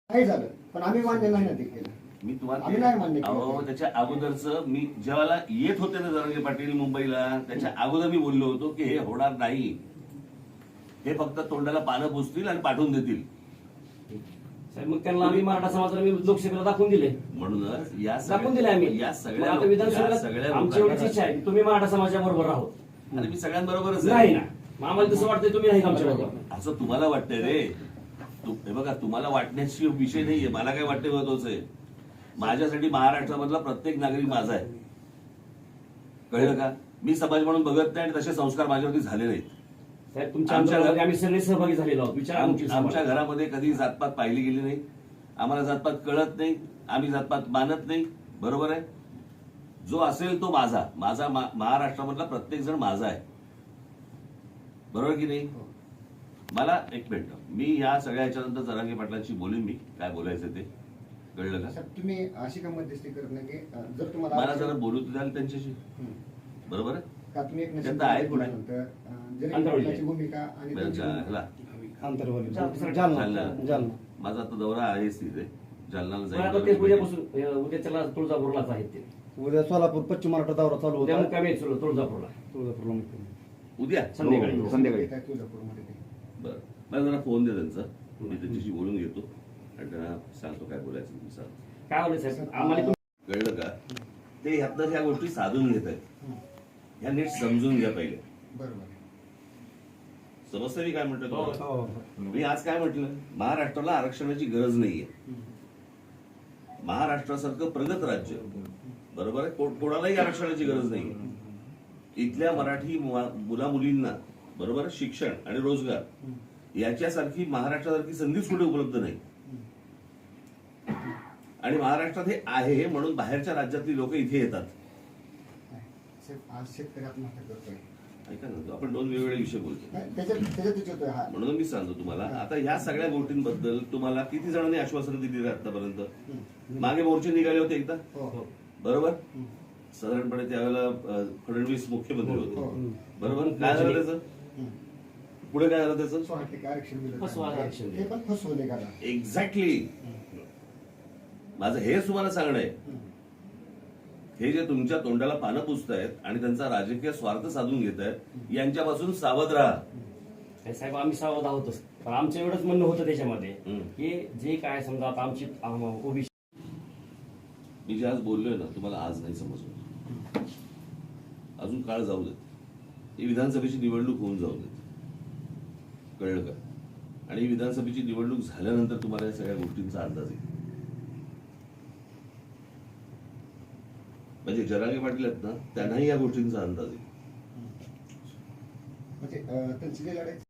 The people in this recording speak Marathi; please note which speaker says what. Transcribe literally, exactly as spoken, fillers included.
Speaker 1: नाही झालं, पण आम्ही मान्य नाही ना ते केलं.
Speaker 2: मी तुम्हाला
Speaker 1: आम्ही नाही मान्य
Speaker 2: अहो
Speaker 1: केलं.
Speaker 2: त्याच्या अगोदरच मी जेव्हा येत होते ना जरांगे पाटील मुंबईला, त्याच्या अगोदर मी बोललो होतो की हे होणार नाही, हे फक्त तोंडाला पानं पुसतील आणि पाठवून देतील.
Speaker 3: साहेब मग त्यांना आम्ही मराठा समाजाला मी लोकसभेला दाखवून दिले,
Speaker 2: म्हणूनच या
Speaker 3: दाखवून दिले आम्ही.
Speaker 2: या
Speaker 3: मग
Speaker 2: सगळ्या
Speaker 3: आता
Speaker 2: या
Speaker 3: विधानसभेला
Speaker 2: सगळ्या
Speaker 3: आमची एवढीच इच्छा आहे की तुम्ही मराठा समाजाच्या बरोबर राहत.
Speaker 2: आणि मी सगळ्यांबरोबरच
Speaker 3: नाही
Speaker 2: आहे.
Speaker 3: ना, मग आम्हाला तसं वाटतंय तुम्ही नाही आमच्या बरोबर.
Speaker 2: असं तुम्हाला वाटतंय रे. तू हे बघा, तुम्हाला वाटण्याची विषय नाहीये, मला काय वाटते महत्वाचं आहे. माझ्यासाठी महाराष्ट्रामधला प्रत्येक नागरिक माझा आहे, कळलं का? मी समाज म्हणून बघत नाही आणि तसे संस्कार माझ्यावरती झाले नाहीत.
Speaker 3: साहेब तुमच्या
Speaker 2: आमच्या
Speaker 3: आंदोलनामध्ये आम्ही सगळे सहभागी झालेलो आहोत. विचार
Speaker 2: आम- आमच्या घरामध्ये कधी जातपात पाहिली गेली नाही, आम्हाला जातपात कळत नाही, आम्ही जातपात मानत नाही. बरोबर आहे? जो असेल तो माझा माझा मा- महाराष्ट्रामधला प्रत्येक जण माझा आहे, बरोबर की नाही? मला एक मिनिट, मी या सगळ्या याच्यानंतर जरांगे पाटलांशी बोलेन, मी काय बोलायचं ते, कळलं का?
Speaker 1: साहेब, तुम्ही अशी का मध्यस्थी करत नाही की अं, जर तुम्हाला
Speaker 2: मला जरा बोलू द्याल त्यांच्याशी,
Speaker 1: हं.
Speaker 2: बरोबर आहे?
Speaker 1: का तुम्ही एक
Speaker 2: त्यांचं आहे कुठे?
Speaker 1: नंतर अं, जरी
Speaker 3: अंतर्गत
Speaker 1: पाटलाची भूमिका आणि
Speaker 2: बरं,
Speaker 1: त्यांची
Speaker 2: जा-
Speaker 1: भूमिका-
Speaker 2: ह्याला.
Speaker 4: आंतरवाली
Speaker 3: जालना.
Speaker 4: जालना जालना
Speaker 2: माझा आता दौरा आहेच तिथे, जालनाला
Speaker 3: पण आता ते
Speaker 2: जाईल.
Speaker 3: उद्यापासून उद्या त्याला तुळजापूरलाच आहेत ते.
Speaker 4: उद्या सोलापूर पश्चिम महाराष्ट्र दौरा चालू
Speaker 3: उद्या
Speaker 4: होता
Speaker 3: मुक्कामी आहेत तुळ- तुळजापूरला
Speaker 4: तुळजापूरला मुक्कामी.
Speaker 2: उद्या
Speaker 3: संध्याकाळी.
Speaker 4: हो, संध्याकाळी.
Speaker 1: काय तुळजापूरमध्ये ते.
Speaker 2: बरं, मला जरा फोन दे त्यांचा, मी त्यांच्याशी बोलून घेतो आणि त्यांना सांगतो काय बोलायचं तुम्ही सांग.
Speaker 3: काय होईल साहेब आम्हाला तुम-
Speaker 2: कळलं का? ते ह्यातनं ह्या गोष्टी साधून घेत आहेत,
Speaker 1: हं.
Speaker 2: ह्या नीट समजून घ्या पहिले.
Speaker 1: बरोबर आहे.
Speaker 2: समजतं मी काय म्हटलं तुम्हाला?
Speaker 4: हो.
Speaker 2: मी आज काय म्हटलं? महाराष्ट्राला आरक्षणाची गरज नाहीये.
Speaker 1: हं.
Speaker 2: महाराष्ट्रासारखं प्रगत राज्य, बरोबर आहे, को- कोणालाही आरक्षणाची गरज नाही. इथल्या मराठी मुला मुलींना, बरोबर आहे, शिक्षण आणि रोजगार याच्यासारखी महाराष्ट्रासारखी संधीच कुठे उपलब्ध नाही. आणि महाराष्ट्रात हे आहे म्हणून बाहेरच्या राज्यातली लोक इथे येतात.
Speaker 1: साहेब, आज शेतकरी आत्महत्या करतोय.
Speaker 2: ऐका ना, आपण दोन वेगवेगळे विषय बोलतो,
Speaker 1: नाही, त्याच्यात त्याच्यातच येतोय हा.
Speaker 2: म्हणून मी सांगतो तुम्हाला. आता ह्या सगळ्या गोष्टींबद्दल तुम्हाला किती जणांनी आश्वासन दिली रे आतापर्यंत?
Speaker 1: हं.
Speaker 2: मागे मोर्चे निघाले होते एकदा,
Speaker 1: हो.
Speaker 2: बरोबर?
Speaker 1: हं.
Speaker 2: साधारणपणे त्यावेळेला अं, फडणवीस मुख्यमंत्री
Speaker 1: हो.
Speaker 2: होते, बरोबर? काय झालं त्याचं?
Speaker 1: हं.
Speaker 2: पुढे काय झालं त्याचं?
Speaker 1: सोळा टक्के आरक्षण दिलं.
Speaker 3: फसवा आरक्षण
Speaker 1: ते पण फसवले का?
Speaker 2: एक्झॅक्टली. माझं हेच तुम्हाला सांगणं आहे. हे जे तुमच्या तोंडाला पानं पुसतायत आणि त्यांचा राजकीय स्वार्थ साधून घेत आहेत, यांच्यापासून सावध राहा.
Speaker 3: हे साहेब आम्ही सावध आहोतच, पण आमचं एवढंच म्हणणं होतं त्याच्यामध्ये
Speaker 2: हं.
Speaker 3: की जे काय समजा आता आमची ओबीसी
Speaker 2: मी जे आज बोललोय ना, तुम्हाला आज नाही समजलं, अजून काळ जाऊ देत, ही विधानसभेची निवडणूक होऊन जाऊ देत, कळलं का? आणि ही विधानसभेची निवडणूक झाल्यानंतर तुम्हाला या सगळ्या गोष्टींचा अंदाज येईल. म्हणजे जरांगे पाटील आहेत ना, त्यांनाही या गोष्टींचा अंदाज येईल.
Speaker 1: म्हणजे अं, त्यांची जी लढाई